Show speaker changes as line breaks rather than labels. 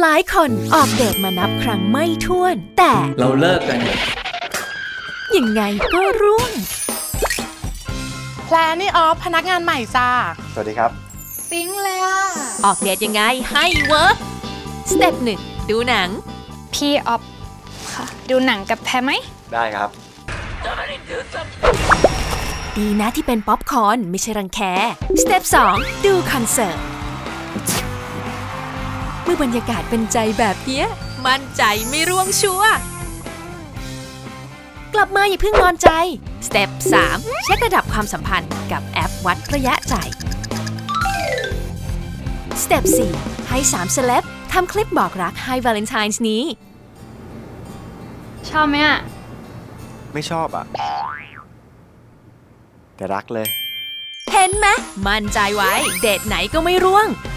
หลายคนออกเดทมานับครั้งไม่ถ้วนแต่
เราเลิกกัน
ยังไงก็ร่วง
แพลนี่ออฟพนักงานใหม่จ้า
สวัสดีครับ
ปิ๊งเลยอ่ะออกเดทยังไงให้เวิร์กสเต็ป1ดูหนัง
พี่ออฟค่ะดูหนังกับแพรไหม
ได้ครับ
ดีนะที่เป็นป๊อปคอร์นไม่ใช่รังแคสเต็ป2ดูคอนเสิร์ตเมื่อบรรยากาศเป็นใจแบบนี้มั่นใจไม่ร่วงชัวร์กลับมาอย่าเพิ่งนอนใจสเต็ป3เช็คระดับความสัมพันธ์กับแอปวัดระยะใจสเต็ป4ให้3เซเลบทำคลิปบอกรักให้วาเลนไทน์นี้
ชอบไหมอ่ะ
ไม่ชอบอ่ะแต่รักเลย
เห็นไหมมั่นใจไว้เดทไหนก็ไม่ร่วง